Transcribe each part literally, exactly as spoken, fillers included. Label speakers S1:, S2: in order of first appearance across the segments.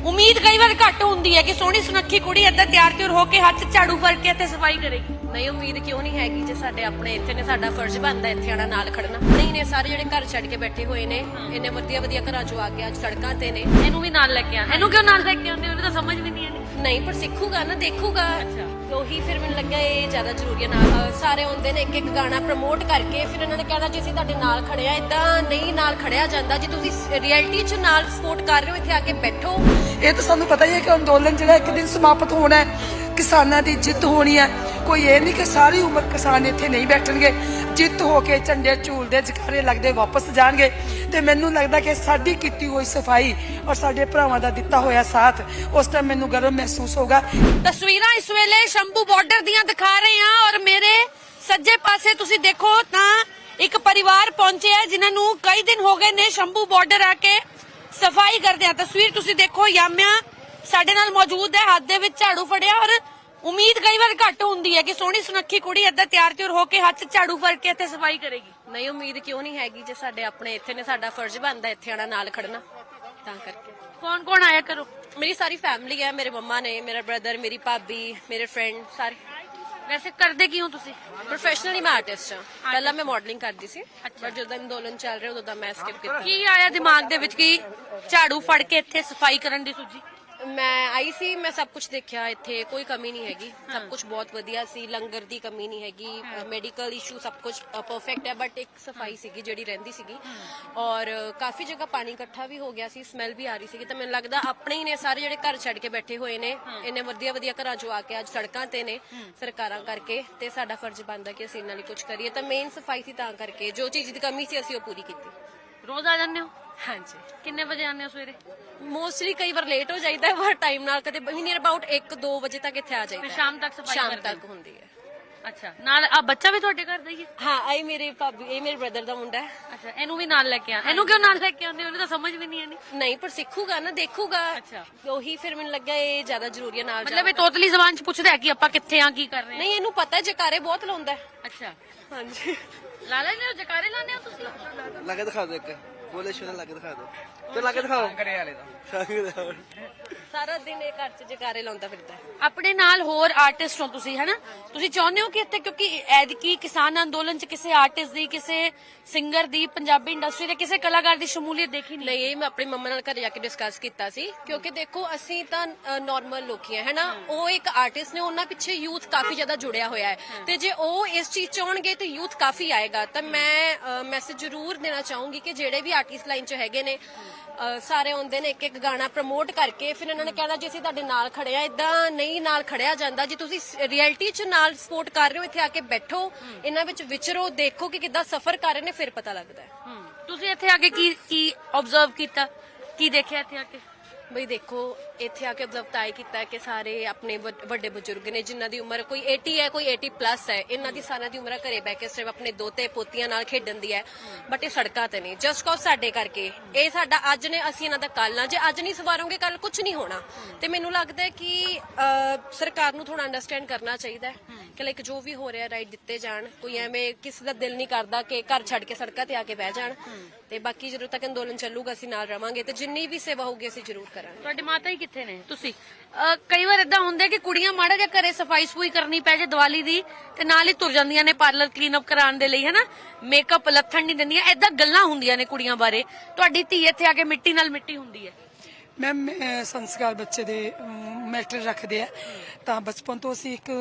S1: ਉਮੀਦ ਕਈ ਵਾਰ ਘੱਟ ਹੁੰਦੀ ਹੈ ਕਿ ਸੋਹਣੀ ਸੁਨੱਖੀ ਕੁੜੀ ਏਦਾਂ ਤਿਆਰ ਤਿਉਰ ਹੋ ਕੇ ਹੱਥ ਝਾੜੂ ਫੜ ਕੇ ਤੇ ਸਫਾਈ ਕਰੇਗੀ।
S2: ਨਹੀਂ ਉਮੀਦ ਕਿਉਂ ਨਹੀਂ ਹੈਗੀ ਜੇ ਸਾਡੇ ਆਪਣੇ ਇੱਥੇ ਨੇ, ਸਾਡਾ ਫਰਜ਼ ਬਣਦਾ ਇੱਥੇ ਆਣਾ ਨਾਲ ਖੜਨਾ। ਨਹੀਂ ਨੇ ਸਾਰੇ ਜਿਹੜੇ ਘਰ ਛੱਡ ਕੇ ਬੈਠੇ ਹੋਏ ਨੇ, ਇੰਨੇ ਵਧੀਆ ਵਧੀਆ ਘਰਾਂ ਚੋਂ ਆ ਕੇ ਅੱਜ ਸੜਕਾਂ ਤੇ ਨੇ।
S1: ਇਹਨੂੰ ਵੀ ਨਾਲ ਲੈ ਕੇ ਆ। ਇਹਨੂੰ ਕਿਉਂ ਨਾਲ ਲੈ ਕੇ ਆਉਂਦੇ? ਉਹਨੂੰ ਤਾਂ ਸਮਝ ਵੀ ਨਹੀਂ ਆਉਂਦੀ।
S2: ਨਹੀਂ ਪਰ ਸਿੱਖੂਗਾ ਨਾ, ਦੇਖੂਗਾ। ਉਹੀ ਫਿਰ ਮੈਨੂੰ ਲੱਗਿਆ ਇਹ ਜ਼ਿਆਦਾ ਜ਼ਰੂਰੀ ਹੈ। ਨਾਲ ਸਾਰੇ ਆਉਂਦੇ ਨੇ ਇੱਕ ਇੱਕ ਗਾਣਾ ਪ੍ਰਮੋਟ ਕਰਕੇ, ਫਿਰ ਇਹਨਾਂ ਨੇ ਕਹਿਣਾ ਜੀ ਅਸੀਂ ਤੁਹਾਡੇ ਨਾਲ ਖੜੇ ਆ। ਇਦਾਂ ਨਹੀਂ ਨਾਲ ਖੜਿਆ ਜਾਂਦਾ। ਜੇ ਤੁਸੀਂ ਰਿਐਲਿਟੀ 'ਚ ਨਾਲ ਸਪੋਰਟ ਕਰ ਰਹੇ ਹੋ, ਇੱਥੇ ਆ ਕੇ ਬੈਠੋ।
S3: ਇਹ ਤਾਂ ਸਾਨੂੰ ਪਤਾ ਹੀ ਹੈ ਕਿ ਅੰਦੋਲਨ ਜਿਹੜਾ ਇੱਕ ਦਿਨ ਸਮਾਪਤ ਹੋਣਾ ਹੈ, ਕਿਸਾਨਾਂ ਦੀ ਜਿੱਤ ਹੋਣੀ ਹੈ। ਕੋਈ ਇਹ ਨਹੀਂ ਕਿ ਸਾਰੀ ਉਮਰ ਕਿਸਾਨ ਇੱਥੇ ਨਹੀਂ ਬੈਠਣਗੇ। ਜਿੱਤ ਹੋ ਕੇ ਝੰਡੇ ਝੂਲਦੇ ਜਕਾਰੇ ਲੱਗਦੇ ਵਾਪਸ ਜਾਣਗੇ। ਤੇ ਮੈਨੂੰ ਲੱਗਦਾ ਕਿ ਸਾਡੀ ਕੀਤੀ ਹੋਈ ਸਫਾਈ ਔਰ ਸਾਡੇ ਭਰਾਵਾਂ ਦਾ ਦਿੱਤਾ ਹੋਇਆ ਸਾਥ, ਉਸ ਟਾਈਮ ਮੈਨੂੰ ਗਰਵ ਮਹਿਸੂਸ ਹੋਗਾ।
S1: ਤਸਵੀਰਾਂ ਇਸ ਵੇਲੇ ਸ਼ੰਭੂ ਬਾਰਡਰ ਦੀਆਂ ਦਿਖਾ ਰਹੇ ਹਾਂ ਔਰ ਮੇਰੇ ਸੱਜੇ ਪਾਸੇ ਤੁਸੀਂ ਦੇਖੋ ਤਾਂ ਇੱਕ ਪਰਿਵਾਰ ਪਹੁੰਚਿਆ ਜਿਨ੍ਹਾਂ ਨੂੰ ਕਈ ਦਿਨ ਹੋ ਗਏ ਨੇ ਸ਼ੰਭੂ ਬਾਰਡਰ ਆ ਕੇ ਸਫਾਈ ਕਰਦੇ ਆ। ਤਸਵੀਰ ਤੁਸੀਂ ਦੇਖੋ, ਯਾਮਿਆ ਸਾਡੇ ਨਾਲ ਮੌਜੂਦ ਹੈ, ਹੱਥ ਦੇ ਵਿੱਚ ਝਾੜੂ ਫੜਿਆ। ਔਰ ਉਮੀਦ ਕਈ ਵਾਰ ਘੱਟ ਹੁੰਦੀ ਹੈ ਕਿ ਸੋਹਣੀ ਸੁਨੱਖੀ ਕੁੜੀ ਏਦਾਂ ਤਿਆਰ ਤਿਉਰ ਹੋ ਕੇ ਹੱਥ ਝਾੜੂ ਫੜ ਕੇ ਤੇ ਸਫਾਈ ਕਰੇਗੀ।
S2: ਨਹੀਂ ਉਮੀਦ ਕਿਉਂ ਨਹੀਂ ਹੈਗੀ ਜੇ ਸਾਡੇ ਆਪਣੇ ਇੱਥੇ ਨੇ, ਸਾਡਾ ਫਰਜ਼ ਬਣਦਾ ਇੱਥੇ ਆਣਾ ਨਾਲ ਖੜਨਾ। ਤਾਂ ਕਰਕੇ
S1: ਕੌਣ ਕੌਣ ਆਇਆ ਕਰੋ?
S2: ਮੇਰੀ ਸਾਰੀ ਫੈਮਿਲੀ ਹੈ। ਮੇਰੇ ਮੰਮਾ ਨੇ, ਮੇਰਾ ਬ੍ਰਦਰ, ਮੇਰੀ ਭਾਬੀ, ਮੇਰੇ ਫਰੈਂਡ ਸਾਰੇ।
S1: ਵੈਸੇ ਕਰਦੇ ਕੀ ਹੋ ਤੁਸੀਂ?
S2: ਪ੍ਰੋਫੈਸ਼ਨਲੀ ਮੈਂ ਆਰਟਿਸਟ ਹਾਂ। ਪਹਿਲਾਂ ਮੈਂ ਮਾਡਲਿੰਗ ਕਰਦੀ ਸੀ, ਪਰ ਜਦੋਂ ਅੰਦੋਲਨ ਚੱਲ ਰਿਹਾ ਉਦੋਂ ਦਾ ਮੈਂ ਸਕਿਪ ਕੀਤਾ।
S1: ਕੀ ਆਇਆ ਦਿਮਾਗ ਦੇ ਵਿੱਚ ਕਿ ਝਾੜੂ ਫੜ ਕੇ ਇੱਥੇ ਸਫਾਈ ਕਰਨ ਦੀ ਸੂਝੀ?
S2: ਮੈਂ ਆਈ ਸੀ, ਮੈਂ ਸਭ ਕੁਝ ਦੇਖਿਆ। ਇੱਥੇ ਕੋਈ ਕਮੀ ਨਹੀਂ ਹੈਗੀ, ਸਭ ਕੁਝ ਬਹੁਤ ਵਧੀਆ ਸੀ। ਲੰਗਰ ਦੀ ਕਮੀ ਨਹੀਂ ਹੈਗੀ, ਮੈਡੀਕਲ ਇਸ਼ੂ ਸਭ ਕੁਝ ਪਰਫੈਕਟ ਹੈ। ਬਟ ਇੱਕ ਸਫਾਈ ਸੀਗੀ ਜਿਹੜੀ ਰਹਿੰਦੀ ਸੀਗੀ, ਔਰ ਕਾਫੀ ਜਗ੍ਹਾ ਪਾਣੀ ਇਕੱਠਾ ਵੀ ਹੋ ਗਿਆ ਸੀ, ਸਮੈਲ ਵੀ ਆ ਰਹੀ ਸੀਗੀ। ਤਾਂ ਮੈਨੂੰ ਲੱਗਦਾ ਆਪਣੇ ਹੀ ਨੇ ਸਾਰੇ ਜਿਹੜੇ ਘਰ ਛੱਡ ਕੇ ਬੈਠੇ ਹੋਏ ਨੇ, ਇੰਨੇ ਵਧੀਆ ਵਧੀਆ ਘਰਾਂ ਚੋਂ ਆ ਕੇ ਅੱਜ ਸੜਕਾਂ ਤੇ ਨੇ ਸਰਕਾਰਾਂ ਕਰਕੇ। ਤੇ ਸਾਡਾ ਫਰਜ਼ ਬਣਦਾ ਕਿ ਅਸੀਂ ਇਹਨਾਂ ਲਈ ਕੁਝ ਕਰੀਏ। ਤਾਂ ਮੇਨ ਸਫਾਈ ਸੀ, ਤਾਂ ਕਰਕੇ ਜੋ ਚੀਜ਼ ਦੀ ਕਮੀ ਸੀ ਅਸੀਂ ਉਹ ਪੂਰੀ ਕੀਤੀ।
S1: ਰੋਜ਼ ਆ ਜਾਂਦੇ ਹੋ?
S2: ਹਾਂਜੀ।
S1: ਕਿੰਨੇ ਵਜੇ ਆਉਂਦੇ ਹੋ ਸਵੇਰੇ?
S2: ਮੋਸਟਲੀ ਕਈ ਵਾਰ ਲੇਟ ਹੋ ਜਾਈਦਾ, ਪਰ ਟਾਈਮ ਨਾਲ ਕਦੇ ਨੀਅਰ ਅਬਾਊਟ ਇੱਕ ਦੋ ਵਜੇ ਤੱਕ ਇੱਥੇ ਆ ਜਾਈਦਾ।
S1: ਸ਼ਾਮ ਤੱਕ ਸਫਾਈ
S2: ਸ਼ਾਮ
S1: ਕਰਦੇ
S2: ਤੱਕ ਹੁੰਦੀ ਹੈ।
S1: ਅੱਛਾ, ਨਾਲ ਆ ਬੱਚਾ ਵੀ ਤੁਹਾਡੇ ਘਰ ਦਾ ਹੀ ਹੈ?
S2: ਹਾਂ, ਆਈ ਮੇਰੇ ਭਾਬੀ, ਇਹ ਮੇਰੇ ਬ੍ਰਦਰ ਦਾ ਮੁੰਡਾ ਹੈ।
S1: ਅੱਛਾ, ਇਹਨੂੰ ਵੀ ਨਾਲ ਲੈ ਕੇ ਆ। ਇਹਨੂੰ ਕਿਉਂ ਨਾਲ ਲੈ ਕੇ ਆਉਂਦੇ? ਉਹਨੂੰ ਤਾਂ ਸਮਝ ਵੀ ਨਹੀਂ ਆਉਂਦੀ।
S2: ਨਹੀਂ ਪਰ ਸਿੱਖੂਗਾ ਨਾ, ਦੇਖੂਗਾ।
S1: ਅੱਛਾ।
S2: ਉਹੀ ਫਿਰ ਮੈਨੂੰ ਲੱਗਿਆ ਇਹ ਜ਼ਿਆਦਾ ਜ਼ਰੂਰੀ ਹੈ ਨਾਲ।
S1: ਮਤਲਬ ਇਹ ਤੋਤਲੀ ਜ਼ਬਾਨ ਚ ਪੁੱਛਦਾ ਹੈ ਕਿ ਆਪਾਂ ਕਿੱਥੇ ਆ, ਕੀ ਕਰ ਰਹੇ ਹਾਂ?
S2: ਨਹੀਂ, ਇਹਨੂੰ ਪਤਾ ਜਕਾਰੇ ਬਹੁਤ ਲਾਉਂਦਾ ਹੈ।
S1: ਅੱਛਾ,
S2: ਹਾਂਜੀ।
S1: ਲਾ ਲੈਂਦੇ ਹੋ ਜਕਾਰੇ? ਲਾਉਂਦੇ ਹੋ ਤੁਸੀਂ?
S4: ਲਾ ਕੇ ਦਿਖਾ ਦਿਓ ਇੱਕ ਬੋਲੇ ਸ਼ੋਰ ਲਾ ਕੇ ਦਿਖਾ ਦਿਓ ਤੇ ਲਾ ਕੇ ਦਿਖਾਓ ਕਰੇ ਵਾਲੇ ਦਾ
S2: ਸਾਰਾ ਦਿਨ ਇਹ ਘਰ 'ਚ ਜਕਾਰੇ ਲਾਉਂਦਾ ਫਿਰਦਾ ਹੈ।
S1: ਆਪਣੇ ਨਾਲ ਹੋਰ ਆਰਟਿਸਟ ਹੋ ਤੁਸੀਂ, ਹੈਨਾ? ਤੁਸੀਂ ਚਾਹੁੰਦੇ ਹੋ ਕਿ ਇੱਥੇ, ਕਿਉਂਕਿ ਐਤਕੀ ਕਿਸਾਨ ਅੰਦੋਲਨ ਚ ਕਿਸੇ ਆਰਟਿਸਟ ਦੀ, ਕਿਸੇ ਸਿੰਗਰ ਦੀ, ਪੰਜਾਬੀ ਇੰਡਸਟਰੀ ਦੇ ਕਿਸੇ ਕਲਾਕਾਰ ਦੀ ਸ਼ਮੂਲੀਅਤ ਦੇਖੀ ਨਹੀਂ?
S2: ਨਹੀਂ, ਇਹ ਮੈਂ ਆਪਣੀ ਮੰਮਾ ਨਾਲ ਘਰੇ ਜਾ ਕੇ ਡਿਸਕਸ ਕੀਤਾ ਸੀ। ਕਿਉਂਕਿ ਦੇਖੋ ਅਸੀਂ ਤਾਂ ਨਾਰਮਲ ਲੋਕੀ ਆ, ਹੈਨਾ? ਉਹ ਇੱਕ ਆਰਟਿਸਟ ਨੇ, ਉਹਨਾਂ ਪਿੱਛੇ ਯੂਥ ਕਾਫੀ ਜ਼ਿਆਦਾ ਜੁੜਿਆ ਹੋਇਆ ਹੈ। ਤੇ ਜੇ ਉਹ ਇਸ ਚੀਜ਼ 'ਚ ਆਉਣਗੇ ਤਾਂ ਯੂਥ ਕਾਫੀ ਆਏਗਾ। ਤਾਂ ਮੈਂ ਮੈਸੇਜ ਜ਼ਰੂਰ ਦੇਣਾ ਚਾਹੂੰਗੀ ਕਿ ਜਿਹੜੇ ਵੀ ਆਰਟਿਸਟ ਲਾਈਨ 'ਚ ਹੈਗੇ ਨੇ, ਸਾਰੇ ਆਉਂਦੇ ਨੇ ਇੱਕ ਇੱਕ ਗਾਣਾ ਪ੍ਰਮੋਟ ਕਰਕੇ, ਫਿਰ ਇਹਨਾਂ ਨੇ ਕਹਿਣਾ ਜੀ ਅਸੀਂ ਤੁਹਾਡੇ ਨਾਲ ਖੜੇ ਆ। ਇਦਾਂ ਨਹੀਂ ਨਾਲ ਖੜਿਆ ਜਾਂਦਾ। ਜੇ ਤੁਸੀਂ ਰਿਐਲਿਟੀ 'ਚ ਨਾਲ ਸਪੋਰਟ ਕਰ ਰਹੇ ਹੋ, ਇੱਥੇ ਆ ਕੇ ਬੈਠੋ, ਇਹਨਾਂ ਵਿੱਚ ਵਿਚਰੋ, ਦੇਖੋ ਕਿ ਕਿੱਦਾਂ ਸਫਰ ਕਰ ਰਹੇ ਨੇ, ਫਿਰ ਪਤਾ ਲੱਗਦਾ ਹੈ।
S1: ਤੁਸੀਂ ਇੱਥੇ ਆ ਕੇ ਕੀ ਕੀ ਆਬਜ਼ਰਵ ਕੀਤਾ, ਕੀ ਦੇਖਿਆ ਇੱਥੇ ਆ ਕੇ?
S2: ਬਈ ਦੇਖੋ, ਇੱਥੇ ਆ ਕੇ ਅਬਜ਼ਰਵ ਤਾਂ ਇਹ ਕੀਤਾ ਕਿ ਸਾਰੇ ਆਪਣੇ ਵੱਡੇ ਬਜ਼ੁਰਗ ਨੇ ਜਿਨ੍ਹਾਂ ਦੀ ਉਮਰ ਕੋਈ ਅੱਸੀ ਹੈ, ਕੋਈ ਅੱਸੀ ਪਲੱਸ ਹੈ। ਇਹਨਾਂ ਦੀ ਸਾਰਿਆਂ ਦੀ ਉਮਰ ਘਰੇ ਬਹਿ ਕੇ ਸਿਰਫ ਆਪਣੇ ਦੋਤੇ ਪੋਤੀਆਂ ਨਾਲ ਖੇਡਣ ਦੀ ਹੈ। ਬਟ ਇਹ ਸੜਕਾਂ ਤੇ ਨੇ ਜਸਟ ਕਾਜ਼ ਸਾਡੇ ਕਰਕੇ। ਇਹ ਸਾਡਾ ਅੱਜ ਨੇ, ਅਸੀਂ ਇਹਨਾਂ ਦਾ ਕੱਲ ਆ। ਜੇ ਅੱਜ ਨਹੀਂ ਸਵਾਰੋਗੇ ਕੱਲ ਕੁਝ ਨਹੀਂ ਹੋਣਾ। ਤੇ ਮੈਨੂੰ ਲੱਗਦਾ ਹੈ ਕਿ ਸਰਕਾਰ ਨੂੰ ਥੋੜਾ ਅੰਡਰਸਟੈਂਡ ਕਰਨਾ ਚਾਹੀਦਾ ਹੈ ਕਿ ਲਾਈਕ ਜੋ ਵੀ ਹੋ ਰਿਹਾ ਰਾਈਟ ਦਿੱਤੇ ਜਾਣ। ਕੋਈ ਐਵੇਂ ਕਿਸੇ ਦਾ ਦਿਲ ਨਹੀਂ ਕਰਦਾ ਕਿ ਘਰ ਛੱਡ ਕੇ ਸੜਕਾਂ ਤੇ ਆ ਕੇ ਬਹਿ ਜਾਣ। ਤੇ ਬਾਕੀ ਜਦੋਂ ਤੱਕ ਅੰਦੋਲਨ ਚੱਲੂਗਾ ਅਸੀਂ ਨਾਲ ਰਵਾਂਗੇ ਤੇ ਜਿੰਨੀ ਵੀ ਸੇਵਾ ਹੋਊਗੀ ਅਸੀਂ ਜ਼ਰੂਰ ਕਰਾਂਗੇ।
S1: ਤੁਹਾਡੀ ਮਾਤਾ ਹੀ ਕਿੱਥੇ ਨੇ? ਤੁਸੀਂ ਕਈ ਵਾਰ ਇਦਾਂ ਹੁੰਦਾ ਕਿ ਕੁੜੀਆਂ ਮਾੜਾ ਜਿਹਾ ਘਰੇ ਸਫਾਈ ਸਫੂਈ ਕਰਨੀ ਪੈ ਜੇ ਦੀਵਾਲੀ ਦੀ ਤੇ ਨਾਲ ਹੀ ਤੁਰ ਜਾਂਦੀਆਂ ਨੇ ਪਾਰਲਰ ਕਲੀਨ ਅਪ ਕਰਾਉਣ ਦੇ ਲਈ, ਹਨਾ? ਮੇਕਅਪ ਲੱਥਣ ਨਹੀਂ ਦਿੰਦੀਆਂ। ਏਦਾਂ ਗੱਲਾਂ ਹੁੰਦੀਆਂ ਨੇ ਕੁੜੀਆਂ ਬਾਰੇ। ਤੁਹਾਡੀ ਧੀ ਇੱਥੇ ਆ ਕੇ ਮਿੱਟੀ ਨਾਲ ਮਿੱਟੀ ਹੁੰਦੀ ਹੈ।
S3: ਮੈਮ ਸੰਸਕਾਰ ਬੱਚੇ ਦੇ ਮੈਟਰ ਰੱਖਦੇ ਆ। ਤਾਂ ਬਚਪਨ ਤੋਂ ਅਸੀਂ ਇੱਕ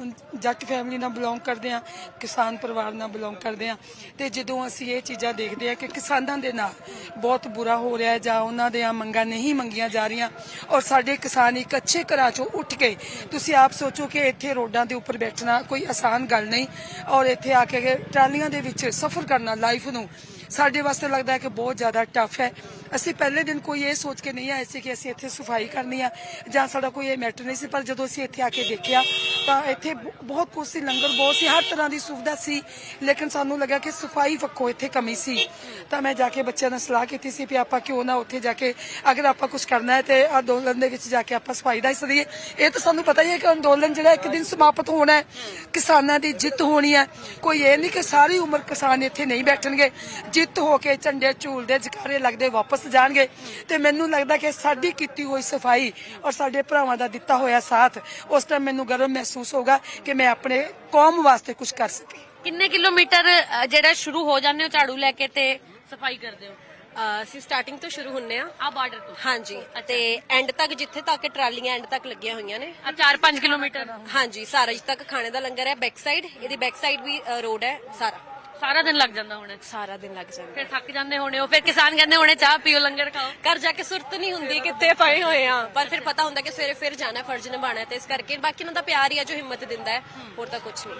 S3: ਜੱਟ ਫੈਮਿਲੀ ਨਾਲ ਬਿਲੋਂਗ ਕਰਦੇ ਆ, ਕਿਸਾਨ ਪਰਿਵਾਰ ਨਾਲ ਬਿਲੋਂਗ ਕਰਦੇ ਆ। ਤੇ ਜਦੋਂ ਅਸੀਂ ਇਹ ਚੀਜ਼ਾਂ ਦੇਖਦੇ ਆ ਕਿ ਕਿਸਾਨਾਂ ਦੇ ਨਾਲ ਬਹੁਤ ਬੁਰਾ ਹੋ ਰਿਹਾ ਜਾਂ ਉਹਨਾਂ ਦੀਆਂ ਮੰਗਾਂ ਨਹੀਂ ਮੰਗੀਆਂ ਜਾ ਰਹੀਆਂ, ਔਰ ਸਾਡੇ ਕਿਸਾਨ ਇੱਕ ਅੱਛੇ ਘਰਾਂ ਚੋਂ ਉੱਠ ਕੇ, ਤੁਸੀਂ ਆਪ ਸੋਚੋ ਕਿ ਇੱਥੇ ਰੋਡਾਂ ਦੇ ਉੱਪਰ ਬੈਠਣਾ ਕੋਈ ਆਸਾਨ ਗੱਲ ਨਹੀਂ, ਔਰ ਇੱਥੇ ਆ ਕੇ ਟਰਾਲੀਆਂ ਦੇ ਵਿੱਚ ਸਫ਼ਰ ਕਰਨਾ ਲਾਈਫ ਨੂੰ ਸਾਡੇ ਵਾਸਤੇ ਲੱਗਦਾ ਹੈ ਕਿ ਬਹੁਤ ਜ਼ਿਆਦਾ ਟਫ ਹੈ। ਅਸੀਂ ਪਹਿਲੇ ਦਿਨ ਕੋਈ ਇਹ ਸੋਚ ਕੇ ਨਹੀਂ ਆਏ ਸੀ ਕਿ ਅਸੀਂ ਇੱਥੇ ਸਫਾਈ ਕਰਨੀ ਆ ਜਾਂ ਸਾਡਾ ਕੋਈ ਇਹ ਮੈਟਰ ਨਹੀਂ ਸੀ। ਪਰ ਜਦੋਂ ਅਸੀਂ ਇੱਥੇ ਆ ਕੇ ਦੇਖਿਆ ਤਾਂ ਇੱਥੇ ਬਹੁਤ ਕੁਝ ਸੀ, ਲੰਗਰ ਬਹੁਤ ਸੀ, ਹਰ ਤਰ੍ਹਾਂ ਦੀ ਸੁਵਿਧਾ ਸੀ। ਲੇਕਿਨ ਸਾਨੂੰ ਲੱਗਾ ਕਿ ਸਫਾਈ ਪੱਖੋਂ ਇੱਥੇ ਕਮੀ ਸੀ। ਤਾਂ ਮੈਂ ਜਾ ਕੇ ਬੱਚਿਆਂ ਨਾਲ ਸਲਾਹ ਕੀਤੀ ਸੀ ਵੀ ਆਪਾਂ ਕਿਉਂ ਨਾ ਉੱਥੇ ਜਾ ਕੇ, ਅਗਰ ਆਪਾਂ ਕੁਝ ਕਰਨਾ ਹੈ ਤੇ ਅੰਦੋਲਨ ਦੇ ਵਿੱਚ ਜਾ ਕੇ ਆਪਾਂ ਸਫਾਈ ਦਾ ਹਿੱਸਾ ਲਈਏ। ਇਹ ਤਾਂ ਸਾਨੂੰ ਪਤਾ ਹੀ ਹੈ ਕਿ ਅੰਦੋਲਨ ਜਿਹੜਾ ਇੱਕ ਦਿਨ ਸਮਾਪਤ ਹੋਣਾ ਹੈ, ਕਿਸਾਨਾਂ ਦੀ ਜਿੱਤ ਹੋਣੀ ਹੈ। ਕੋਈ ਇਹ ਨਹੀਂ ਕਿ ਸਾਰੀ ਉਮਰ ਕਿਸਾਨ ਇੱਥੇ ਨਹੀਂ ਬੈਠਣਗੇ। ਜਿੱਤ ਹੋ ਕੇ ਝੰਡੇ ਝੂਲਦੇ ਜਕਾਰੇ ਲੱਗਦੇ ਵਾਪਸ ਦੱਸ ਜਾਣਗੇ ਤੇ ਮੈਨੂੰ ਲੱਗਦਾ ਕਿ ਸਾਡੀ ਕੀਤੀ ਹੋਈ ਸਫਾਈ ਔਰ ਸਾਡੇ ਭਰਾਵਾਂ ਦਾ ਦਿੱਤਾ ਹੋਇਆ ਸਾਥ ਉਸ ਟਾਈਮ ਮੈਨੂੰ ਗਰਵ ਮਹਿਸੂਸ ਹੋਗਾ ਕਿ ਮੈਂ ਆਪਣੇ ਕੌਮ ਵਾਸਤੇ ਕੁਝ ਕਰ ਸਕੀ।
S1: ਕਿੰਨੇ ਕਿਲੋਮੀਟਰ ਅ, ਜਿਹੜਾ ਸ਼ੁਰੂ ਹੋ ਜਾਂਦੇ ਹੋ ਝਾੜੂ ਲੈ ਕੇ ਤੇ ਸਫਾਈ ਕਰਦੇ ਹੋ?
S2: ਅਹ ਅਸੀਂ ਸਟਾਰਟਿੰਗ ਤੋਂ ਸ਼ੁਰੂ ਹੁੰਨੇ ਆ।
S1: ਆ ਬਾਰਡਰ ਤੋਂ?
S2: ਹਾਂਜੀ, ਤੇ ਐਂਡ ਤੱਕ ਜਿੱਥੇ ਤੱਕ ਟਰਾਲੀਆਂ ਐਂਡ ਤੱਕ ਲੱਗੀਆਂ ਹੋਈਆਂ ਨੇ।
S1: ਆ ਚਾਰ ਪੰਜ ਕਿਲੋਮੀਟਰ
S2: ਹਾਂਜੀ, ਸਾਰਾ ਜਿੱਥੇ ਤੱਕ ਖਾਣੇ ਦਾ ਲੰਗਰ ਹੈ ਬੈਕ ਸਾਈਡ, ਇਹਦੀ ਬੈਕ ਸਾਈਡ ਵੀ ਰੋਡ ਹੈ। ਸਾਰਾ
S1: ਸਾਰਾ ਦਿਨ ਲੱਗ ਜਾਂਦਾ ਹੁਣ?
S2: ਸਾਰਾ ਦਿਨ ਲੱਗ ਜਾਂਦਾ।
S1: ਫਿਰ ਥੱਕ ਜਾਂਦੇ ਹੋਣੇ ਹੋ, ਫਿਰ ਕਿਸਾਨ ਕਹਿੰਦੇ ਹੋਣੇ ਚਾਹ ਪੀਓ ਲੰਗਰ ਖਾਓ।
S2: ਘਰ ਜਾ ਕੇ ਸੁਰਤ ਨਹੀਂ ਹੁੰਦੀ ਕਿੱਥੇ ਪਏ ਹੋਏ ਆ, ਪਰ ਫਿਰ ਪਤਾ ਹੁੰਦਾ ਕਿ ਸਵੇਰੇ ਫਿਰ ਜਾਣਾ, ਫਰਜ਼ ਨਿਭਾਉਣਾ, ਤੇ ਇਸ ਕਰਕੇ ਬਾਕੀ ਉਹਨਾਂ ਦਾ ਪਿਆਰ ਹੀ ਆ ਜੋ ਹਿੰਮਤ ਦਿੰਦਾ ਹੈ, ਹੋਰ ਤਾਂ ਕੁਝ ਨਹੀਂ।